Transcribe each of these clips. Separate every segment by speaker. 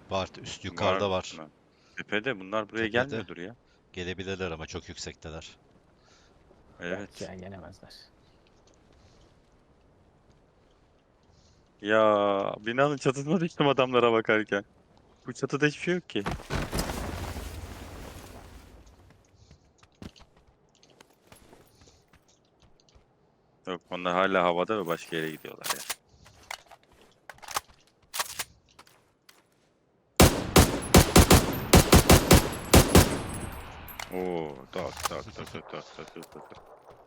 Speaker 1: Var, üst
Speaker 2: Var
Speaker 1: yukarıda var.
Speaker 2: mı? Tepede bunlar buraya
Speaker 1: Tepede.
Speaker 2: gelmiyordur ya.
Speaker 1: Gelebilirler ama çok yüksekteler.
Speaker 3: Yok
Speaker 2: Evet.
Speaker 3: ya gelemezler.
Speaker 2: Ya binanın çatısına düştüm adamlara bakarken. Bu çatıda hiçbir şey yok ki. Yok onlar hala havada ve başka yere gidiyorlar ya. Oo, tak tak tak tak tak tak tak tak. Tak.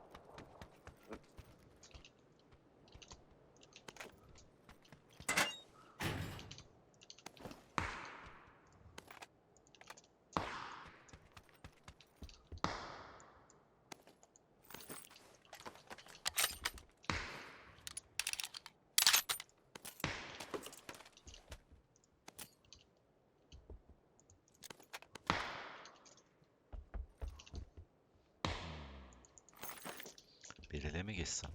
Speaker 1: Biriyle mi geçsem?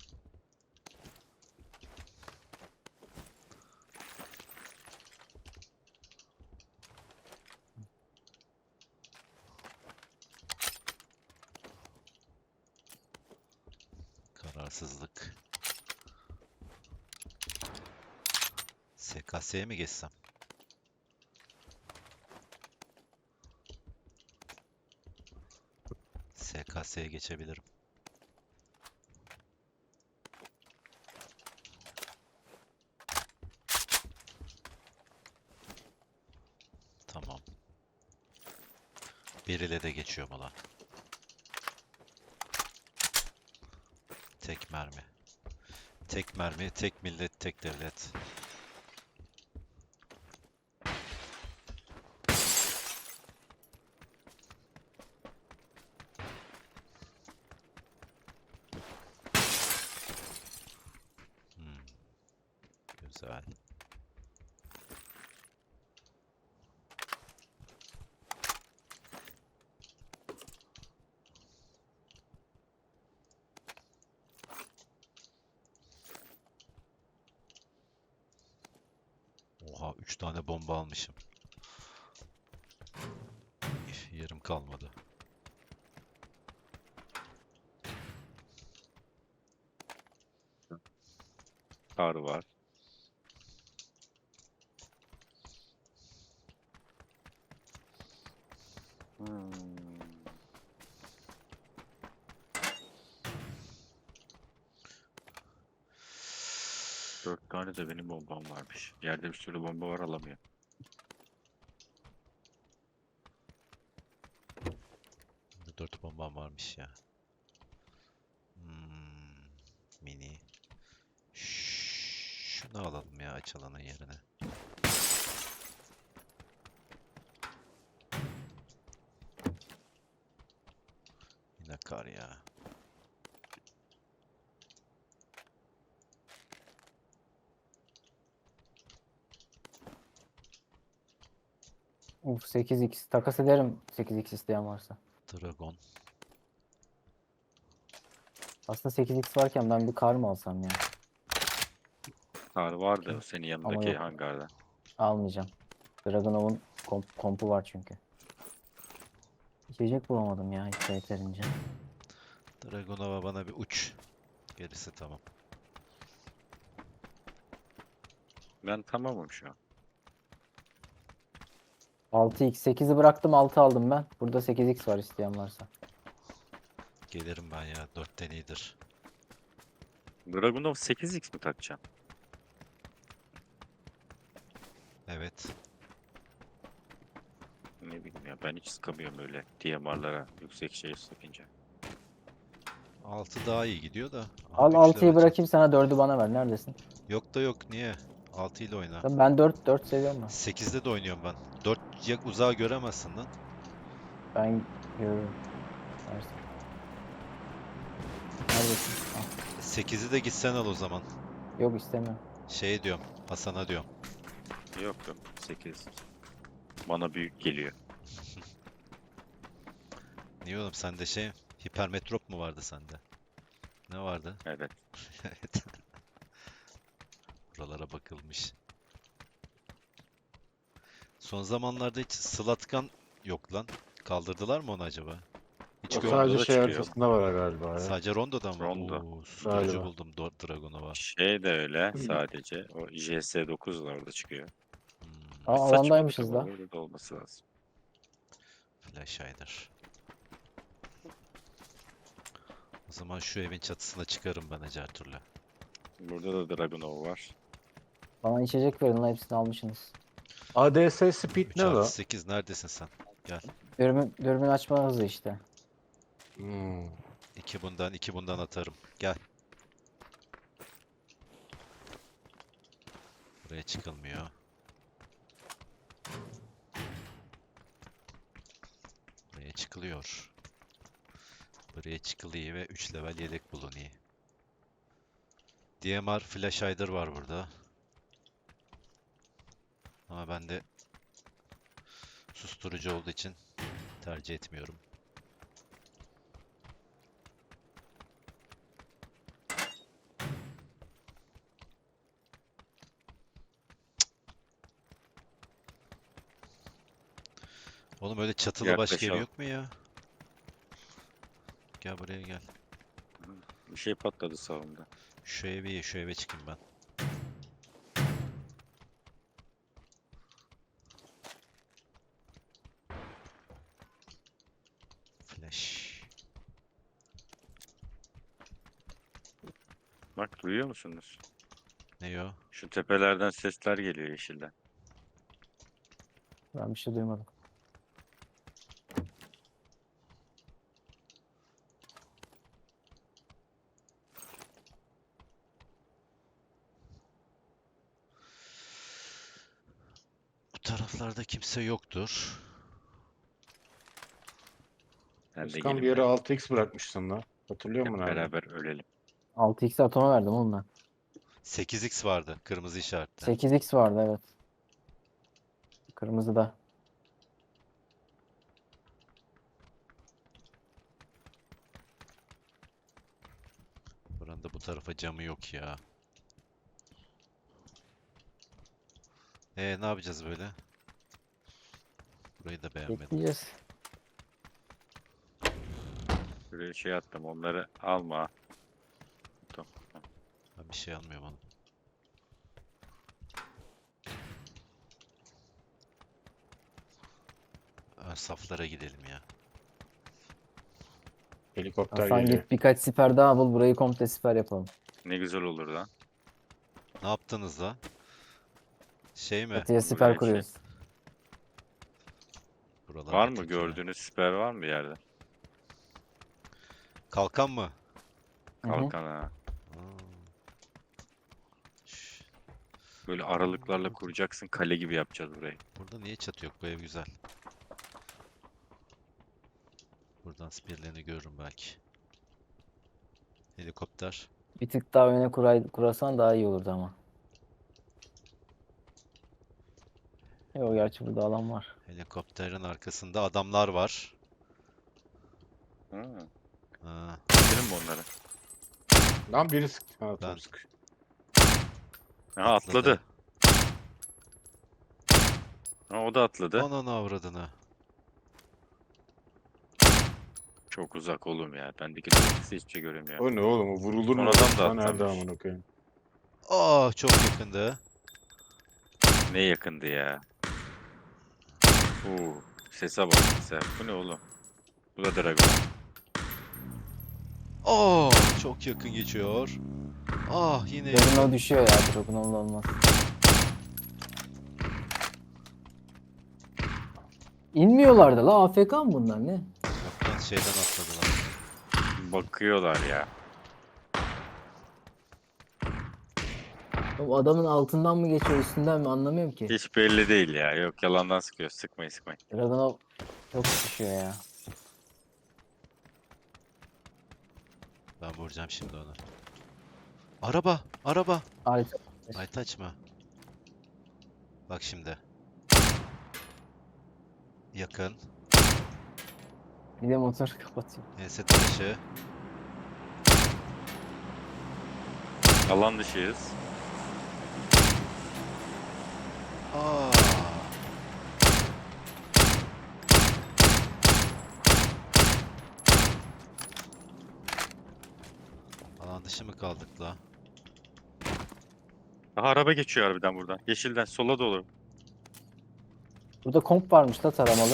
Speaker 1: Kararsızlık. SKS'ye mi geçsem? SKS'ye geçebilirim. Tamam. Biriyle de geçiyorum ulan. Tek mermi. Tek mermi, tek millet, tek devlet. Hmm, güzel. Oha, 3 tane bomba almışım. Yerim kalmadı.
Speaker 2: Kar var. Hmm. 4 tane de benim bombam varmış. Yerde bir sürü bomba var alamıyor.
Speaker 1: Burada 4 bombam varmış ya. Hmm, mini. Şunu alalım ya açılanın yerine. Yine kar ya.
Speaker 3: Uf 8x takas ederim 8x isteyen varsa.
Speaker 1: Dragon.
Speaker 3: Aslında 8x varken ben bir kar mı alsam ya?
Speaker 2: Kar var da senin
Speaker 3: Ama
Speaker 2: yanındaki
Speaker 3: yok
Speaker 2: hangarda.
Speaker 3: almayacağım. Dragunov'un kompu var çünkü. İçecek bulamadım ya hiç yeterince.
Speaker 1: Dragonova bana bir uç. Gerisi tamam.
Speaker 2: Ben tamamım şu an.
Speaker 3: 6x 8'i bıraktım 6 aldım ben. Burada 8x var isteyen varsa.
Speaker 1: Gelirim ben ya. 4'ten iyidir.
Speaker 2: Dragunov 8x mi takacağım?
Speaker 1: Evet.
Speaker 2: Ne bileyim ya ben hiç sıkamıyorum öyle DMR'lara yüksek şey sıkınca.
Speaker 1: 6 daha iyi gidiyor da. Aha,
Speaker 3: Al
Speaker 1: 3'ler
Speaker 3: 6'yı
Speaker 1: açıldı.
Speaker 3: bırakayım sana 4'ü bana ver. Neredesin?
Speaker 1: Yok da yok. Niye? 6 ile oyna.
Speaker 3: Tabii ben 4 seviyorum ben.
Speaker 1: 8'de de oynuyorum ben. 4 ya uzağa göremezsin lan.
Speaker 3: Ben görürüm. Versin. Neredesin? Al.
Speaker 1: 8'i de gitsen al o zaman.
Speaker 3: Yok istemiyorum.
Speaker 1: Şey diyorum. Hasan'a diyorum.
Speaker 2: Yok yok 8. Bana büyük geliyor.
Speaker 1: Niye oğlum sende şey hipermetrop mu vardı sende? Ne vardı?
Speaker 2: Evet.
Speaker 1: Evet. Buralara bakılmış. Son zamanlarda hiç Slatkan yok lan. Kaldırdılar mı onu acaba? Hiç
Speaker 4: O
Speaker 2: Yok,
Speaker 1: görmedim.
Speaker 4: sadece
Speaker 2: da
Speaker 4: şey
Speaker 2: çıkıyor.
Speaker 4: haritasında var galiba ya.
Speaker 1: Sadece Rondo'da mı?
Speaker 2: Rondo.
Speaker 1: Oo, susturucu
Speaker 4: Galiba.
Speaker 1: buldum Dragunova.
Speaker 2: Şey de öyle sadece. O JS9 da orada çıkıyor.
Speaker 1: Hmm,
Speaker 3: Aa,
Speaker 2: Saçmalık
Speaker 3: alandaymışız
Speaker 2: ama
Speaker 3: da.
Speaker 2: öyle de olması lazım.
Speaker 1: Flash Hider. O zaman şu evin çatısına çıkarım ben Ecertur'la.
Speaker 2: Burada da Dragunov var.
Speaker 3: Bana içecek verin lan, hepsini almışsınız.
Speaker 4: ADS Speed
Speaker 1: 3
Speaker 4: ne
Speaker 1: artı
Speaker 4: la?
Speaker 1: 8 neredesin sen? Gel.
Speaker 3: Dürbün açma hızı işte.
Speaker 4: Hmm.
Speaker 1: 2 bundan atarım. Gel. Buraya çıkılmıyor. Buraya çıkılıyor. Buraya çıkılıyor ve 3 level yedek bulunuyor. DMR Flash Hider var burada. Ama ben de susturucu olduğu için tercih etmiyorum. Oğlum öyle çatılı başka ev
Speaker 2: Yaklaşalım.
Speaker 1: yok mu ya? Gel buraya gel.
Speaker 2: Bir şey patladı sağımda.
Speaker 1: Şu eve çıkayım ben. Flash.
Speaker 2: Bak duyuyor musunuz?
Speaker 1: Ne o?
Speaker 2: Şu tepelerden sesler geliyor yeşilden.
Speaker 3: Ben bir şey duymadım.
Speaker 1: Bu taraflarda kimse yoktur.
Speaker 2: Ben de
Speaker 4: Özkan
Speaker 2: gelin
Speaker 4: bir yere
Speaker 2: ben.
Speaker 4: 6x bırakmışsın la. Hatırlıyor
Speaker 2: Hep
Speaker 4: musun abi?
Speaker 2: beraber ölelim.
Speaker 3: 6x atoma verdim oğlum ben.
Speaker 1: 8x vardı. Kırmızı işaretli.
Speaker 3: 8x vardı, evet. Kırmızıda.
Speaker 1: Buranın da bu tarafa camı yok ya. Ne yapacağız böyle? Burayı da beğenmedim.
Speaker 3: Bekleyeceğiz.
Speaker 2: Buraya şey attım onları alma. Tamam.
Speaker 1: Ben bir şey almıyorum oğlum. Ön saflara gidelim ya.
Speaker 4: Helikopter
Speaker 3: Hasan
Speaker 4: geliyor.
Speaker 3: git birkaç siper daha bul, burayı komple siper yapalım.
Speaker 2: Ne güzel olur lan.
Speaker 1: Ne yaptınız la? Şey mi?
Speaker 3: Çatıya
Speaker 2: buraya
Speaker 3: siper
Speaker 2: şey-
Speaker 3: kuruyoruz.
Speaker 1: Buralar
Speaker 2: Var mı
Speaker 1: bitik ya.
Speaker 2: gördüğünüz siper var mı bir yerde?
Speaker 1: Kalkan mı?
Speaker 3: Hı hı.
Speaker 2: Kalkan ha.
Speaker 1: Aa. Şş,
Speaker 2: Böyle aralıklarla kuracaksın kale gibi yapacağız burayı.
Speaker 1: burada niye çatı yok? Bu ev güzel. Buradan spirlerini görürüm belki. Helikopter.
Speaker 3: Bir tık daha öne kurasan daha iyi olurdu ama. Yok, gerçi burada alan var.
Speaker 1: Helikopterin arkasında adamlar var.
Speaker 2: Ha.
Speaker 1: Aa,
Speaker 2: Bitirin mi onları?
Speaker 4: Lan biri sık. Ha
Speaker 1: Ben-
Speaker 4: tamam sık.
Speaker 2: Aha atladı. Ha, o da atladı.
Speaker 1: Ananı avradını.
Speaker 2: Çok uzak oğlum ya. Bendeki dörtlüsü hiçbir şey göremiyorum.
Speaker 4: O ne oğlum? O vurulur mu?
Speaker 2: Son adam da
Speaker 4: Ha, nerede
Speaker 2: atlamış.
Speaker 4: amına koyayım?
Speaker 1: Aa, çok yakındı.
Speaker 2: Ne yakındı ya. Oo, sese bak sese. Bu ne oğlum? Bu da Dragon.
Speaker 1: Aa, çok yakın geçiyor. Ah, yine
Speaker 3: Dragunov
Speaker 1: yakın.
Speaker 3: düşüyor ya, Dragunov'la olmaz. İnmiyorlardı la, AFK mı bunlar ne?
Speaker 1: Yok lan, şeyden atladılar.
Speaker 2: Bakıyorlar ya.
Speaker 3: O adamın altından mı geçiyor, üstünden mi, anlamıyorum ki.
Speaker 2: Hiç belli değil ya. Yok yalandan sıkıyor. Sıkmayın sıkmayın.
Speaker 3: Dragunov çok düşüyor ya.
Speaker 1: Ben vuracağım şimdi onu. Araba, araba.
Speaker 3: Harika.
Speaker 1: Aytaç mı? Bak şimdi. Yakın.
Speaker 3: Bir de motor kapatıyor.
Speaker 1: ES taşı.
Speaker 2: Alan dışıyız.
Speaker 1: Aa. kişi mi kaldık la?
Speaker 2: Daha araba geçiyor harbiden buradan. Yeşilden sola doğru.
Speaker 3: Burada komp varmış da taramalı.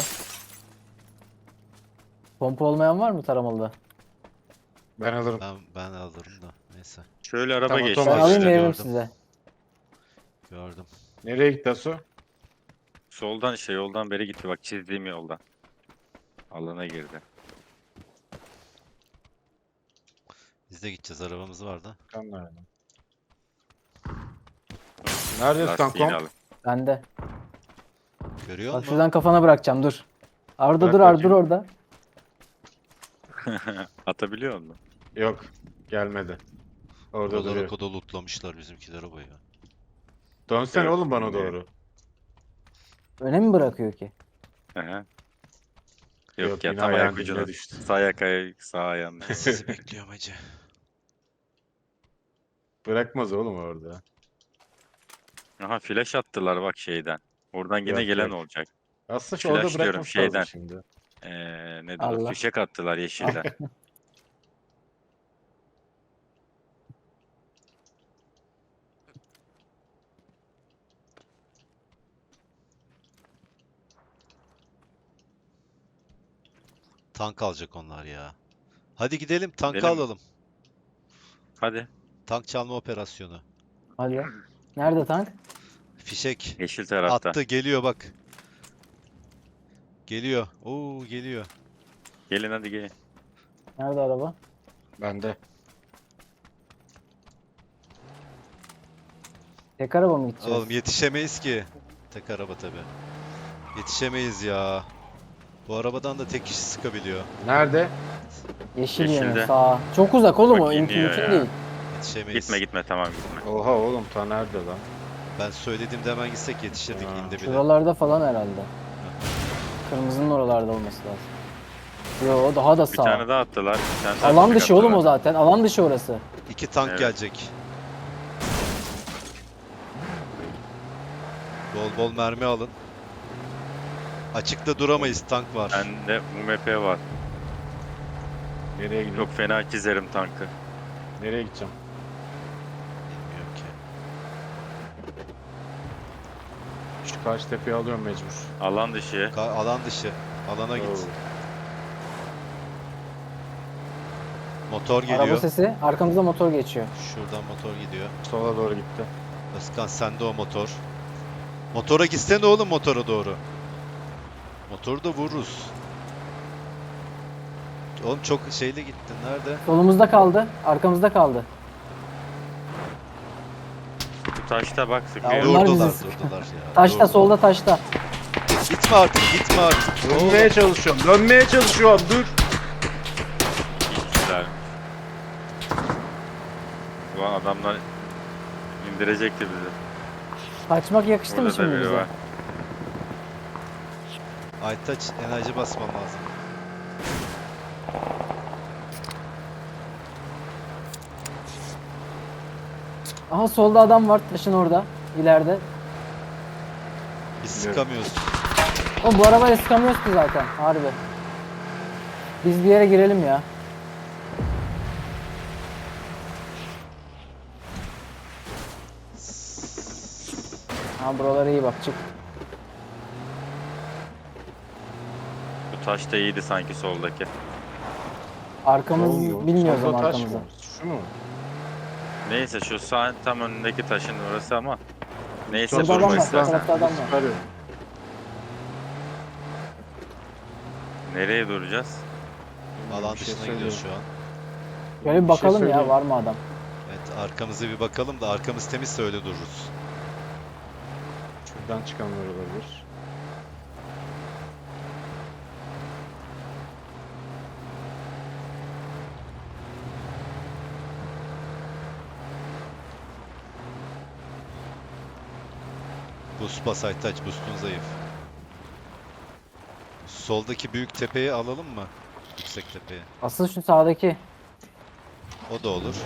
Speaker 3: Pompa olmayan var mı taramalıda?
Speaker 4: Ben alırım.
Speaker 1: Ben alırım da. Neyse.
Speaker 2: Şöyle araba
Speaker 4: Tamam,
Speaker 2: geçti.
Speaker 3: Ben
Speaker 4: tamam.
Speaker 3: alayım
Speaker 1: işte
Speaker 3: veririm
Speaker 1: gördüm.
Speaker 3: size.
Speaker 1: Gördüm.
Speaker 4: Nereye gitti Asu?
Speaker 2: Soldan işte yoldan beri gitti bak çizdiğim yoldan. Alana girdi.
Speaker 1: Biz de gideceğiz. Arabamız var da.
Speaker 4: Kan nerede? Neredesin
Speaker 2: Lastiğini
Speaker 4: kankom?
Speaker 2: alın.
Speaker 3: Bende.
Speaker 1: Görüyor
Speaker 3: Bak
Speaker 1: musun?
Speaker 3: şuradan kafana bırakacağım dur. Arda
Speaker 4: Bırak
Speaker 3: dur Arda dur
Speaker 4: bakayım.
Speaker 3: orada.
Speaker 2: Atabiliyor musun?
Speaker 4: Yok. Gelmedi. Orada
Speaker 1: Buraları
Speaker 4: duruyor.
Speaker 1: koda lootlamışlar bizimkiler o ya.
Speaker 4: Dönsene
Speaker 2: Evet,
Speaker 4: oğlum bana
Speaker 2: bilmiyorum.
Speaker 4: doğru.
Speaker 3: Öne mi bırakıyor ki?
Speaker 2: Hı hı.
Speaker 4: Yok,
Speaker 2: Yok ya
Speaker 4: yine
Speaker 2: tam
Speaker 4: ayağın
Speaker 2: ayak
Speaker 4: dibine
Speaker 2: ucuna.
Speaker 4: düştü.
Speaker 2: Sağ ayak sağ ayağın.
Speaker 1: Sizi bekliyorum hacı.
Speaker 4: Bırakmaz oğlum orada.
Speaker 2: Aha flash attılar bak şeyden. Oradan yine
Speaker 4: Yok,
Speaker 2: gelen
Speaker 4: yok.
Speaker 2: olacak.
Speaker 4: Aslında şu
Speaker 2: Flash
Speaker 4: orada
Speaker 2: diyorum,
Speaker 4: bırakması lazım
Speaker 2: şeyden.
Speaker 4: şimdi.
Speaker 2: Nedir o?
Speaker 3: Allah.
Speaker 2: Fişek attılar yeşilden.
Speaker 1: Tank alacak onlar ya. Hadi gidelim tankı
Speaker 2: Gidelim.
Speaker 1: alalım.
Speaker 2: Hadi.
Speaker 1: Tank çalma operasyonu.
Speaker 3: Hadi. Nerede tank?
Speaker 1: Fişek.
Speaker 2: Yeşil tarafta.
Speaker 1: Attı geliyor bak. Geliyor. Oo geliyor.
Speaker 2: Gelin hadi gelin.
Speaker 3: Nerede araba?
Speaker 4: Bende.
Speaker 3: Tek araba mı gideceğiz?
Speaker 1: Oğlum yetişemeyiz ki. Tek araba tabi. Yetişemeyiz ya. Bu arabadan da tek kişi sıkabiliyor.
Speaker 4: Nerede?
Speaker 3: Yeşil
Speaker 2: Yeşilde.
Speaker 3: yönü sağ. Çok uzak oğlum
Speaker 2: Bak
Speaker 3: o
Speaker 2: iniyor
Speaker 3: mümkün
Speaker 2: ya.
Speaker 3: değil.
Speaker 1: Yetişemeyiz.
Speaker 2: Gitme gitme tamam gitme.
Speaker 4: Oha oğlum ta nerede lan?
Speaker 1: Ben söylediğimde hemen gitsek yetişirdik
Speaker 4: Ya.
Speaker 1: indi bile.
Speaker 3: Şuralarda falan herhalde. Kırmızının oralarda olması lazım. Yo daha da
Speaker 2: Bir
Speaker 3: sağ.
Speaker 2: tane daha attılar. Bir tane daha
Speaker 3: Alan
Speaker 2: fişek
Speaker 3: dışı oğlum
Speaker 2: attılar.
Speaker 3: o zaten. Alan dışı orası.
Speaker 1: 2 tank
Speaker 2: Evet.
Speaker 1: gelecek. Bol bol mermi alın. Açıkta duramayız tank var.
Speaker 2: Bende UMP var.
Speaker 4: Nereye gidiyorum?
Speaker 2: Çok fena çizerim tankı.
Speaker 4: Nereye gideceğim?
Speaker 1: Bilmiyorum ki.
Speaker 4: Şu karşı tepeyi alıyorum mecbur.
Speaker 2: Alan dışı.
Speaker 1: Alan dışı. Alana git.
Speaker 4: Oo.
Speaker 1: Motor
Speaker 3: Araba
Speaker 1: geliyor.
Speaker 3: sesi. Arkamızda motor geçiyor.
Speaker 1: Şuradan motor gidiyor.
Speaker 4: Sola doğru gitti.
Speaker 1: Özkan sende o motor. Motora gitsene oğlum motora doğru. Motoru da vururuz. Oğlum çok şeyle gittin. Nerede?
Speaker 3: Solumuzda kaldı. Arkamızda kaldı.
Speaker 2: Bu taşta bak
Speaker 3: Ya
Speaker 2: sıkıyor.
Speaker 3: onlar
Speaker 1: Durdular
Speaker 3: bizi sıkıyor.
Speaker 1: durdular ya.
Speaker 3: Taşta
Speaker 1: durdular.
Speaker 3: solda taşta.
Speaker 1: Gitme artık gitme artık.
Speaker 4: Dönmeye çalışıyorum. Dönmeye çalışıyorum. Dur.
Speaker 2: İşçiler. Ulan adamlar indirecekti bizi.
Speaker 3: Kaçmak yakıştı mı
Speaker 2: Burada da
Speaker 3: şimdi
Speaker 2: biri
Speaker 3: bize?
Speaker 2: var.
Speaker 1: Aytaç enerji basman lazım.
Speaker 3: Aha solda adam var taşın orada. İleride.
Speaker 1: Biz sıkamıyoruz.
Speaker 3: Oğlum bu arabayla sıkamıyoruz ki zaten. Harbi. Biz bir yere girelim ya. Ha buralara iyi bak çık.
Speaker 2: Bu taş da iyiydi sanki soldaki.
Speaker 3: Arkamız
Speaker 4: Olmuyor.
Speaker 3: bilmiyoruz
Speaker 4: Solda
Speaker 3: ama
Speaker 4: taş
Speaker 3: arkamızı.
Speaker 4: mı? Şu mu?
Speaker 2: Neyse şu sağ tam önündeki taşın orası ama. Neyse
Speaker 3: Şurada adam
Speaker 2: durma
Speaker 3: var,
Speaker 2: istersen.
Speaker 3: tarafta adam var.
Speaker 4: Çıkarıyorum.
Speaker 2: Nereye duracağız?
Speaker 1: Alan
Speaker 4: Bir şey
Speaker 1: dışına gidiyoruz şu
Speaker 4: söyleyeyim.
Speaker 1: an.
Speaker 3: Şöyle bir
Speaker 4: Bir şey
Speaker 3: bakalım ya
Speaker 4: söyleyeyim.
Speaker 3: var mı adam.
Speaker 1: Evet arkamızı bir bakalım da arkamız temizse öyle dururuz.
Speaker 4: Şuradan çıkanlar olabilir.
Speaker 1: Boost bas Aytaç boostun zayıf. Soldaki büyük tepeyi alalım mı? Yüksek tepeyi.
Speaker 3: Asıl şu sağdaki.
Speaker 1: O da olur.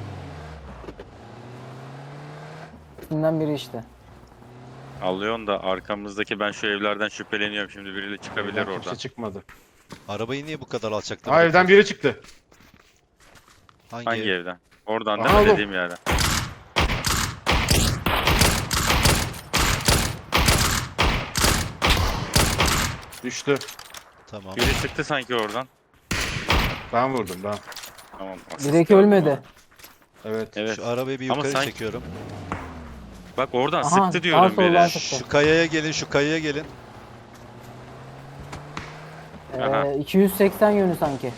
Speaker 3: İkisinden biri işte.
Speaker 2: Alıyorsun da arkamızdaki ben şu evlerden şüpheleniyorum. Şimdi biriyle çıkabilir
Speaker 4: Evden
Speaker 2: oradan.
Speaker 4: Kimse çıkmadı.
Speaker 1: Arabayı niye bu kadar alçakta
Speaker 4: Ha evden
Speaker 1: bırakıyorsun?
Speaker 4: biri çıktı.
Speaker 1: Hangi
Speaker 2: Hangi
Speaker 1: ev?
Speaker 2: evden? Oradan
Speaker 4: Aha,
Speaker 2: değil mi
Speaker 4: oğlum.
Speaker 2: dediğim yere?
Speaker 4: Düştü.
Speaker 1: Tamam.
Speaker 2: Biri çıktı sanki oradan.
Speaker 4: Ben vurdum ben.
Speaker 2: Tamam. asist
Speaker 3: Direkt
Speaker 2: gördüm
Speaker 3: ölmedi.
Speaker 2: onu.
Speaker 4: Evet.
Speaker 2: Evet.
Speaker 1: Şu arabayı bir
Speaker 2: Ama
Speaker 1: yukarı
Speaker 2: sanki-
Speaker 1: çekiyorum.
Speaker 2: Bak oradan
Speaker 3: Aha,
Speaker 2: sıktı diyorum
Speaker 3: soldan
Speaker 2: biri.
Speaker 3: sıktı.
Speaker 1: Şu kayaya gelin, şu kayaya gelin.
Speaker 2: Aha.
Speaker 3: 280 yönü sanki.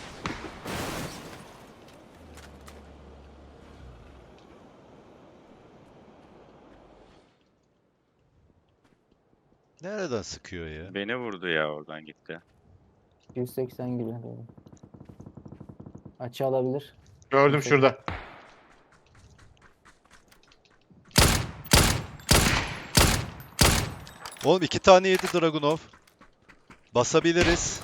Speaker 1: Nereden sıkıyor ya?
Speaker 2: Beni vurdu ya oradan gitti.
Speaker 3: 280 gibi. Doğru. Açı alabilir.
Speaker 4: Gördüm
Speaker 3: Yüksek.
Speaker 4: şurada.
Speaker 1: Oğlum 2 tane yedi Dragunov. Basabiliriz.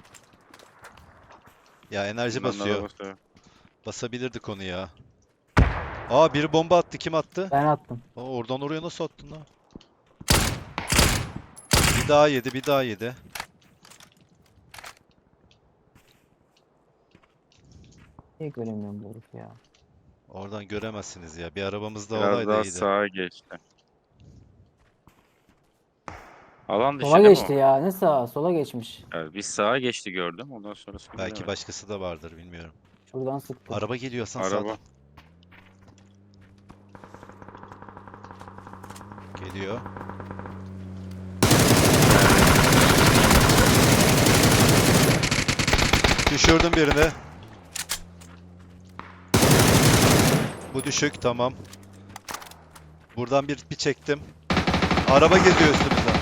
Speaker 1: Ya enerji
Speaker 2: Bundan da
Speaker 1: basıyor.
Speaker 2: basıyor.
Speaker 1: Basabilirdik onu ya. Aa biri bomba attı. Kim attı?
Speaker 3: Ben attım.
Speaker 1: Aa, oradan oraya nasıl attın lan? Bir daha yedi, bir daha yedi.
Speaker 3: Niye göremiyorum bu herif ya.
Speaker 1: Oradan göremezsiniz ya. Bir arabamızda
Speaker 2: Biraz
Speaker 1: olaydı
Speaker 2: daha
Speaker 1: iyiydi.
Speaker 2: sağa geçti. Alan dışı
Speaker 3: Sola
Speaker 2: değil mi
Speaker 3: geçti
Speaker 2: o?
Speaker 3: ya. Ne sağa? Sola geçmiş.
Speaker 2: Evet, biz sağa geçti gördüm. Ondan sonrasını
Speaker 1: Belki
Speaker 2: bilemedim.
Speaker 1: başkası da vardır bilmiyorum.
Speaker 3: Şuradan sıktı.
Speaker 1: Araba geliyor Hasan
Speaker 2: Araba.
Speaker 1: sağdan. Geliyor. Düşürdüm birini. Bu düşük tamam. Buradan bir çektim. Araba geliyor üstümüzden.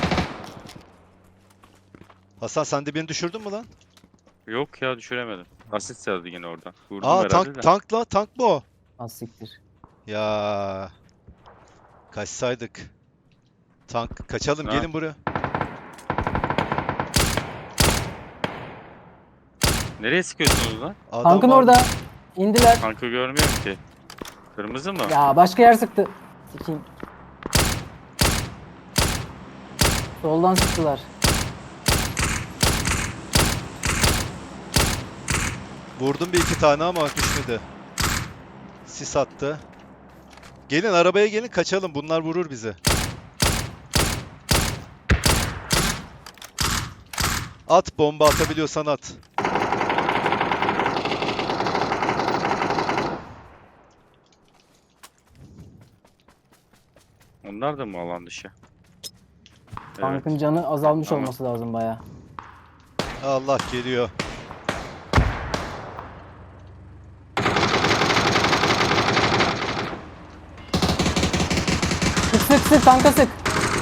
Speaker 1: Hasan sen de birini düşürdün mü lan?
Speaker 2: Yok ya düşüremedim. Asist yazdı yine oradan. Vurdum
Speaker 1: Aa
Speaker 2: herhalde de.
Speaker 1: tank mı o?
Speaker 3: Az siktir.
Speaker 1: Ya kaçsaydık. Tank kaçalım
Speaker 2: Ha.
Speaker 1: gelin buraya.
Speaker 2: Nereye sıkıyorsunuz lan?
Speaker 1: Adam
Speaker 3: Tankın
Speaker 1: var.
Speaker 3: orada. İndiler.
Speaker 2: Tankı görmüyorum ki. Kırmızı mı?
Speaker 3: Ya başka yer sıktı. Sikeyim. Soldan sıktılar.
Speaker 1: Vurdum bir iki tane ama düşmedi. Sis attı. Gelin arabaya gelin kaçalım. Bunlar vurur bizi. At bomba atabiliyorsan at.
Speaker 2: Onlar da mı alan dışı? Evet.
Speaker 3: Tankın canı azalmış
Speaker 2: Tamam.
Speaker 3: olması lazım baya.
Speaker 1: Allah geliyor.
Speaker 3: Sık sık sık tanka sık.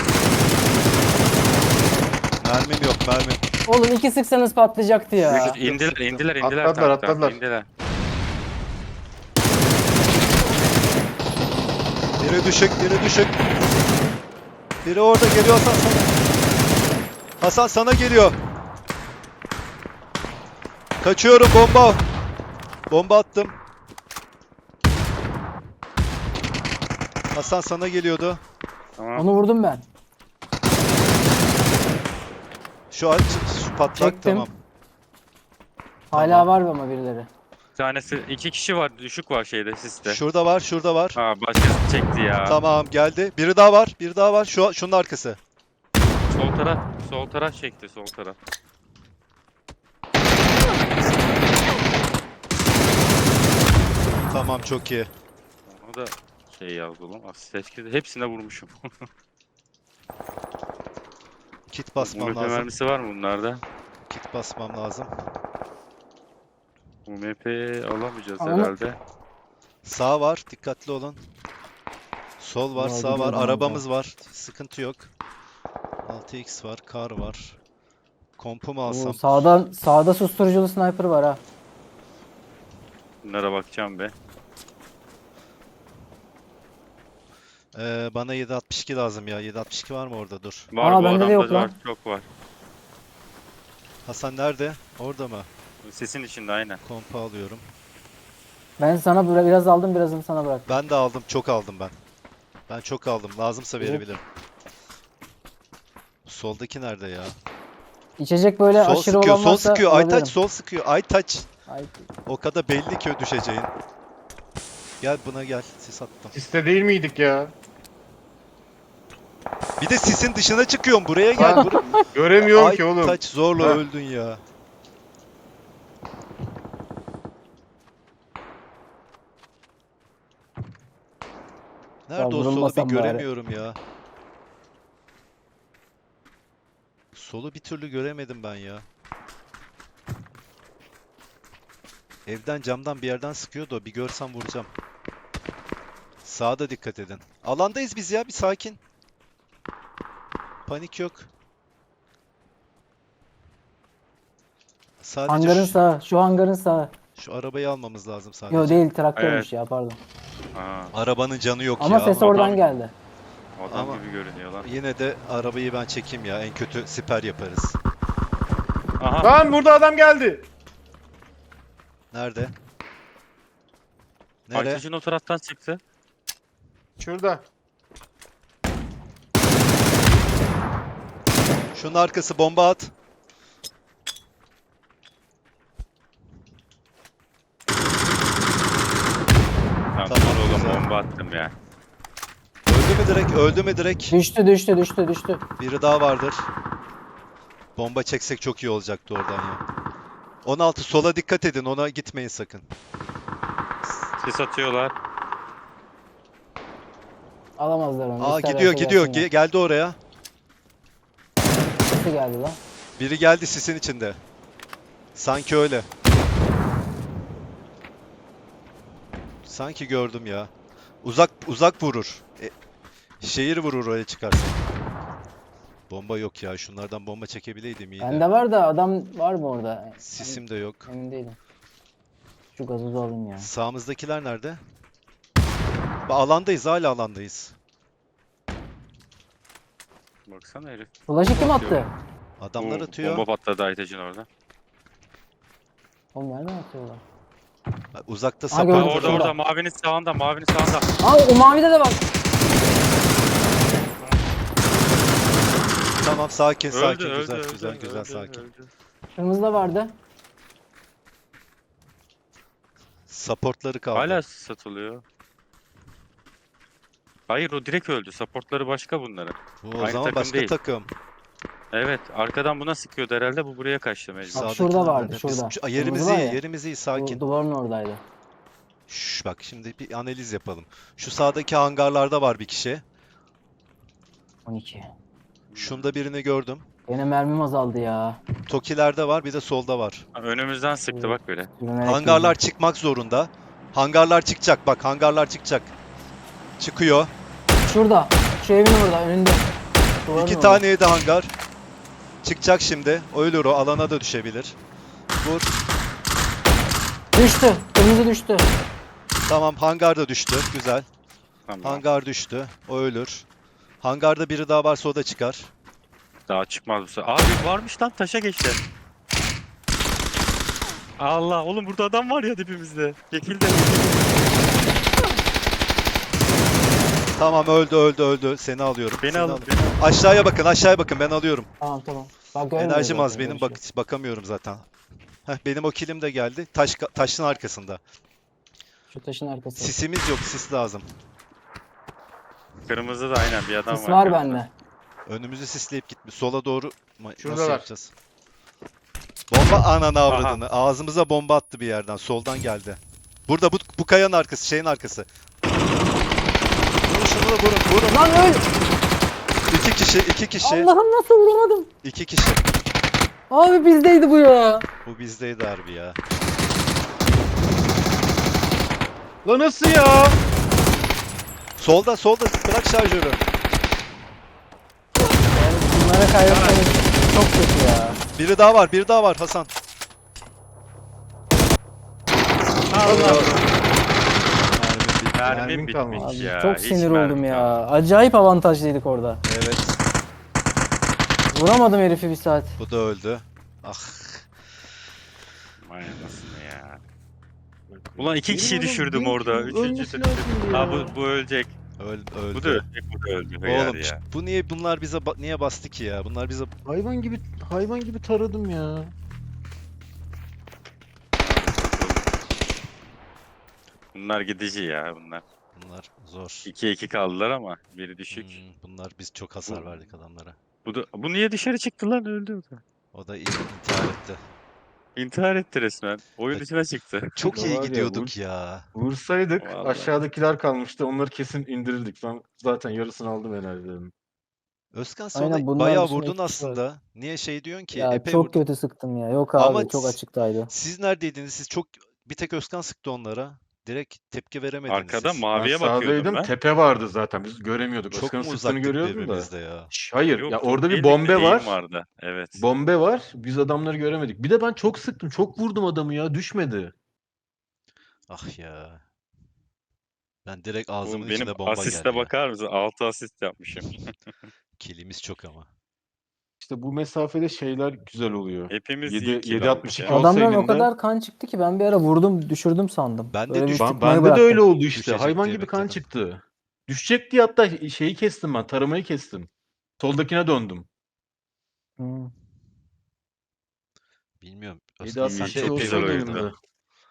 Speaker 1: Mermim yok mermim.
Speaker 3: Oğlum iki sıksanız patlayacaktı ya.
Speaker 2: İndiler
Speaker 4: Atladılar,
Speaker 2: tanktan.
Speaker 4: atladılar.
Speaker 2: İndiler.
Speaker 1: Biri düşük biri düşük. Biri orada geliyor Hasan sana. Hasan sana geliyor. Kaçıyorum bomba. Bomba attım. Hasan sana geliyordu.
Speaker 2: Tamam.
Speaker 3: Onu vurdum ben.
Speaker 1: Şu patlak
Speaker 3: Çektim.
Speaker 1: tamam.
Speaker 3: Hala
Speaker 1: Tamam.
Speaker 3: var ama birileri.
Speaker 2: Bir tanesi, iki kişi var, düşük var şeyde, siste.
Speaker 1: Şurada var, şurada var.
Speaker 2: Ha başkası çekti ya.
Speaker 1: Tamam geldi. Biri daha var, biri daha var. Şunun arkası.
Speaker 2: Sol taraf çekti, sol taraf.
Speaker 1: Tamam çok iyi.
Speaker 2: Onu da şey yazdı oğlum, asist etkisi. Hepsine vurmuşum.
Speaker 1: Kit basmam
Speaker 2: UMP
Speaker 1: lazım.
Speaker 2: mermisi var mı bunlarda?
Speaker 1: Kit basmam lazım.
Speaker 2: UMP alamayacağız
Speaker 3: Ama-
Speaker 2: herhalde.
Speaker 1: Sağ var, dikkatli olun. Sol var,
Speaker 3: Ya,
Speaker 1: sağ var.
Speaker 3: gidiyorum
Speaker 1: Arabamız var. Sıkıntı yok. 6x var, kar var. Kompu mu
Speaker 3: Oo,
Speaker 1: alsam?
Speaker 3: sağda susturuculu sniper var ha.
Speaker 2: Bunlara bakacağım be.
Speaker 1: Bana 7.62 lazım ya. 7.62 var mı orada? Dur.
Speaker 2: Var
Speaker 3: Aa,
Speaker 2: bu
Speaker 3: bende de
Speaker 2: adamda
Speaker 3: yok
Speaker 2: var,
Speaker 3: lan.
Speaker 2: çok var.
Speaker 1: Hasan nerede? Orada mı?
Speaker 2: Sesin içinde aynen.
Speaker 1: Kompu alıyorum.
Speaker 3: Ben sana biraz aldım birazını sana bırak.
Speaker 1: Ben de aldım. Çok aldım ben. Ben çok aldım. Lazımsa
Speaker 3: Evet.
Speaker 1: verebilirim. Soldaki nerede ya?
Speaker 3: İçecek böyle
Speaker 1: Sol
Speaker 3: aşırı
Speaker 1: sıkıyor,
Speaker 3: olan
Speaker 1: sol
Speaker 3: varsa
Speaker 1: sıkıyor.
Speaker 3: alabilirim.
Speaker 1: Aytaç sol sıkıyor. Aytaç.
Speaker 3: Ay,
Speaker 1: O kadar belli ki düşeceğin. Gel buna gel. Sis attım.
Speaker 4: Siste değil miydik ya?
Speaker 1: Bir de sisin dışına çıkıyorum. Buraya gel.
Speaker 4: Ha, Göremiyorum
Speaker 1: Ay,
Speaker 4: ki oğlum.
Speaker 1: Taç zorla
Speaker 4: Ha.
Speaker 1: öldün ya. Nerede o solu bir
Speaker 3: vurulmasam bari.
Speaker 1: göremiyorum ya. Solu bir türlü göremedim ben ya. Evden camdan bir yerden sıkıyordu o. Bir görsem vuracağım. Sağda dikkat edin. Alandayız biz ya, bir sakin. Panik yok. Sadece
Speaker 3: Hangarın sağı. Şu hangarın sağı.
Speaker 1: şu arabayı almamız lazım sadece.
Speaker 3: Yo değil traktörmüş
Speaker 2: Evet.
Speaker 3: ya pardon.
Speaker 2: Ha,
Speaker 1: Arabanın canı yok
Speaker 3: Ama
Speaker 1: ya.
Speaker 3: ses
Speaker 2: adam-
Speaker 3: oradan geldi.
Speaker 2: adam
Speaker 1: Ama-
Speaker 2: gibi görünüyor lan.
Speaker 1: Yine de arabayı ben çekeyim ya. En kötü siper yaparız.
Speaker 2: Aha.
Speaker 4: Lan burada adam geldi.
Speaker 1: Nerede? Nereye?
Speaker 2: Aytaç'ın o taraftan çıktı.
Speaker 4: Şurada.
Speaker 1: Şunun arkası, bomba at.
Speaker 2: Tamam,
Speaker 1: Tamam,
Speaker 2: oğlum
Speaker 1: güzel.
Speaker 2: bomba attım ya.
Speaker 1: Öldü mü direkt? Öldü mü direkt?
Speaker 3: Düştü.
Speaker 1: Biri daha vardır. Bomba çeksek çok iyi olacaktı oradan ya. 16 sola dikkat edin. Ona gitmeyin sakın.
Speaker 2: Sis atıyorlar.
Speaker 3: Alamazlar onu.
Speaker 1: Aa,
Speaker 3: İsterlerse
Speaker 1: gidiyor.
Speaker 3: gelsinler.
Speaker 1: Geldi oraya.
Speaker 3: Nasıl geldi lan?
Speaker 1: Biri geldi sisin içinde. Sanki öyle. Sanki gördüm ya. Uzak vurur. Şehir vurur oraya çıkarsa. Bomba yok ya. Şunlardan bomba çekebileydim iyiydi.
Speaker 3: Bende var da adam var mı orada?
Speaker 1: Sisim de yok.
Speaker 3: Emin değilim. Şu gazozu alayım ya.
Speaker 1: Sağımızdakiler nerede? Alandayız, hala alandayız.
Speaker 2: Baksana herif.
Speaker 3: Flash'ı kim
Speaker 2: Atıyor.
Speaker 3: attı?
Speaker 1: Adamlar
Speaker 2: Bu
Speaker 1: atıyor.
Speaker 2: Bomba patladı Aytaç'ın orada.
Speaker 3: Oğlum nereden atıyorlar?
Speaker 1: Uzakta
Speaker 3: Aa,
Speaker 1: sapar.
Speaker 3: gördüm,
Speaker 2: Orada
Speaker 3: şurada.
Speaker 2: orada mavinin sağında mavinin sağında.
Speaker 3: Aa o mavide de var.
Speaker 1: Tamam, sakin
Speaker 2: Öldü
Speaker 1: sakin.
Speaker 2: öldü
Speaker 1: Güzel
Speaker 2: öldü,
Speaker 1: güzel
Speaker 2: öldü,
Speaker 1: güzel
Speaker 2: öldü,
Speaker 1: sakin.
Speaker 2: öldü.
Speaker 3: Kırmızıda vardı.
Speaker 1: Supportları kaldı.
Speaker 2: Hala satılıyor. Hayır o direkt öldü. Supportları başka bunların.
Speaker 1: Bu o
Speaker 2: aynı
Speaker 1: zaman
Speaker 2: takım
Speaker 1: başka
Speaker 2: değil.
Speaker 1: takım.
Speaker 2: Evet arkadan buna sıkıyordu herhalde bu buraya kaçtı mecbur.
Speaker 3: Bak,
Speaker 1: Sağdakiler
Speaker 3: şurada vardı,
Speaker 1: nerede?
Speaker 3: şurada.
Speaker 1: Yerimiz
Speaker 3: Kırmızı var
Speaker 1: iyi,
Speaker 3: ya.
Speaker 1: yerimiz iyi,
Speaker 3: Bu
Speaker 1: sakin.
Speaker 3: duvarın oradaydı.
Speaker 1: Şş, bak şimdi bir analiz yapalım. Şu sağdaki hangarlarda var bir kişi.
Speaker 3: 12.
Speaker 1: Şunda birini gördüm.
Speaker 3: Yine mermim azaldı ya.
Speaker 1: Tokilerde var, bir de solda var.
Speaker 2: Ha, önümüzden sıktı bak böyle.
Speaker 3: Yürümerek
Speaker 1: Hangarlar
Speaker 3: girdim.
Speaker 1: çıkmak zorunda. Hangarlar çıkacak, bak hangarlar çıkacak. Çıkıyor.
Speaker 3: Şurada. Şu evin orada önünde. Duvarın
Speaker 1: İki
Speaker 3: orada.
Speaker 1: tane yedi hangar. Çıkacak şimdi. Ölür o, alana da düşebilir. Vur.
Speaker 3: Düştü. Kırmızı düştü.
Speaker 1: Tamam, hangar da düştü. Güzel.
Speaker 2: Tamam.
Speaker 1: Hangar düştü. O ölür. Hangarda biri daha varsa o da çıkar.
Speaker 2: Daha çıkmaz bu sefer. Abi varmış lan taşa geçti. Allah oğlum burada adam var ya dibimizde. Çekildi.
Speaker 1: Tamam, öldü. Seni alıyorum.
Speaker 2: Beni
Speaker 1: Seni
Speaker 2: alın.
Speaker 1: al-
Speaker 2: Beni alın.
Speaker 1: Aşağıya bakın ben alıyorum.
Speaker 3: Tamam. Bak görmüyorum
Speaker 1: Enerjim
Speaker 3: zaten,
Speaker 1: az benim,
Speaker 3: böyle bir şey.
Speaker 1: bakamıyorum zaten. Benim o kilim de geldi. Taşın arkasında.
Speaker 3: Şu taşın arkası.
Speaker 1: Sisimiz yok, sis lazım.
Speaker 2: Kırmızı da aynen bir adam
Speaker 3: Sis
Speaker 2: var.
Speaker 3: var
Speaker 2: kırmızı.
Speaker 3: bende.
Speaker 1: Önümüzü sisleyip gitmiş. Sola doğru nasıl
Speaker 4: Şuradalar.
Speaker 1: yapacağız? Bomba ananı avradını. Ağzımıza bomba attı bir yerden. Soldan geldi. Burada bu kayanın arkası, şeyin arkası. Vurun şunu da vurun.
Speaker 3: Lan öl!
Speaker 1: İki kişi.
Speaker 3: Allah'ım nasıl vuramadım?
Speaker 1: 2 kişi.
Speaker 3: Abi bizdeydi bu ya.
Speaker 1: Bu bizdeydi harbi ya.
Speaker 4: Lan nasıl ya?
Speaker 1: Solda bırak şarjörü.
Speaker 3: Yani bunlara kaybetmemiz çok kötü ya.
Speaker 1: Biri daha var Hasan.
Speaker 2: Allah.
Speaker 4: Mermin
Speaker 2: Mermi
Speaker 4: kalmadı.
Speaker 2: bitmiş
Speaker 3: Abi
Speaker 2: ya.
Speaker 3: çok
Speaker 2: hiç
Speaker 3: sinir
Speaker 2: mermi
Speaker 3: oldum ya.
Speaker 2: kalmadı.
Speaker 3: Acayip avantajlıydık orada.
Speaker 1: Evet,
Speaker 3: Vuramadım herifi bir saat.
Speaker 1: bu da öldü. Ah.
Speaker 2: Vay anasını ya. Ulan iki
Speaker 4: Benim
Speaker 2: kişiyi
Speaker 4: oğlum
Speaker 2: düşürdüm
Speaker 4: benim
Speaker 2: orada.
Speaker 4: kim
Speaker 2: Üçüncü
Speaker 4: ölmesi
Speaker 2: de
Speaker 4: lazımdı ya.
Speaker 2: Ha bu ölecek.
Speaker 1: Öldü.
Speaker 2: Bu da ölecek. Bu da öldü. Hıyar
Speaker 1: Oğlum
Speaker 2: ya.
Speaker 1: bunlar bize niye bastı ki ya? Bunlar bize
Speaker 4: Hayvan gibi taradım ya.
Speaker 2: Bunlar gidici ya bunlar.
Speaker 1: Bunlar zor.
Speaker 2: 2-2 kaldılar ama biri düşük.
Speaker 1: Bunlar biz çok hasar
Speaker 2: Bu-
Speaker 1: verdik adamlara.
Speaker 2: Bu niye dışarı çıktı lan öldü o da.
Speaker 1: O da intihar etti.
Speaker 2: İntihar etti resmen. Oyun
Speaker 1: Ya,
Speaker 2: dışına çıktı.
Speaker 1: çok
Speaker 5: Da
Speaker 1: iyi
Speaker 5: var ya,
Speaker 1: gidiyorduk ya.
Speaker 5: Vursaydık
Speaker 2: Vallahi.
Speaker 5: aşağıdakiler kalmıştı. Onları kesin indirirdik. Ben zaten yarısını aldım enerjilerini.
Speaker 1: Özkan
Speaker 3: Aynen,
Speaker 1: sonra
Speaker 3: bunlar
Speaker 1: bayağı
Speaker 3: dışında
Speaker 1: vurdun
Speaker 3: iki kişi var.
Speaker 1: aslında. Niye şey diyorsun ki?
Speaker 3: Ya
Speaker 1: Epey
Speaker 3: çok
Speaker 1: vurdun.
Speaker 3: kötü sıktım ya. Yok
Speaker 1: Ama
Speaker 3: abi, çok açıktaydı.
Speaker 1: siz neredeydiniz? Siz çok bir tek Özkan sıktı onlara. Direkt tepki veremediniz
Speaker 2: Arkada
Speaker 1: siz.
Speaker 5: Ben
Speaker 2: maviye bakıyordum
Speaker 5: sağdaydım.
Speaker 2: ben.
Speaker 5: Tepe vardı zaten. Biz göremiyorduk.
Speaker 1: Çok
Speaker 5: Özkan'ın
Speaker 1: mu
Speaker 5: sıktığını
Speaker 1: uzaktık
Speaker 5: görüyordum da.
Speaker 1: birbirimizde ya?
Speaker 5: Hayır.
Speaker 2: Yok
Speaker 5: Ya
Speaker 2: çok
Speaker 5: orada bir
Speaker 2: değildik de
Speaker 5: bombe
Speaker 2: eğim
Speaker 5: var.
Speaker 2: vardı. Evet.
Speaker 5: Bombe var. Biz adamları göremedik. Bir de ben çok sıktım. Çok vurdum adamı ya. Düşmedi.
Speaker 1: Ah ya. Ben direkt ağzımın
Speaker 2: Benim
Speaker 1: içine bomba
Speaker 2: asiste
Speaker 1: geldi ya.
Speaker 2: bakar mısın? 6 asist yapmışım.
Speaker 1: Kilimiz çok ama.
Speaker 5: İşte bu mesafede şeyler güzel oluyor.
Speaker 2: Hepimiz
Speaker 5: 7
Speaker 2: iyi kill aldık
Speaker 5: 7.62
Speaker 2: ya.
Speaker 5: olsa
Speaker 3: Adamdan o
Speaker 5: elinde.
Speaker 3: kadar kan çıktı ki ben bir ara vurdum, düşürdüm sandım.
Speaker 1: Ben de
Speaker 3: Böyle bir
Speaker 1: düştüm.
Speaker 3: sıkmayı
Speaker 5: Bende de
Speaker 3: bıraktım.
Speaker 5: öyle oldu işte.
Speaker 1: Düşecek
Speaker 5: Hayvan
Speaker 1: diye
Speaker 5: gibi kan
Speaker 1: bekledim.
Speaker 5: çıktı. Düşecek diye hatta şeyi kestim ben. Taramayı kestim. Soldakine döndüm.
Speaker 3: Hı.
Speaker 1: Bilmiyorum.
Speaker 5: 7
Speaker 1: Özkan sen de
Speaker 2: çok
Speaker 5: 7.62
Speaker 1: epey
Speaker 2: güzel
Speaker 5: olsaydı
Speaker 2: oyundu.
Speaker 5: elimde.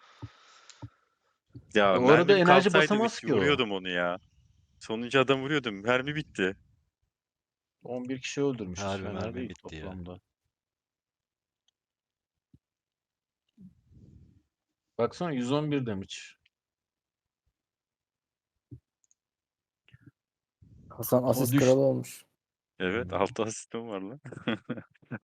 Speaker 2: Ya
Speaker 5: O arada
Speaker 2: mermim
Speaker 5: enerji
Speaker 2: kalsaydı
Speaker 5: basamaz ki o.
Speaker 2: vuruyordum onu ya. Sonuncu adam vuruyordum. Mermi bitti.
Speaker 5: 11 kişi öldürmüşüz.
Speaker 1: Harbi
Speaker 5: Fena
Speaker 1: mermi
Speaker 5: değil
Speaker 1: bitti ya.
Speaker 5: toplamda. Baksana 111 damage.
Speaker 3: Hasan
Speaker 5: Ama
Speaker 3: asist
Speaker 5: düş-
Speaker 3: kralı olmuş.
Speaker 2: Evet 6 asistim var lan.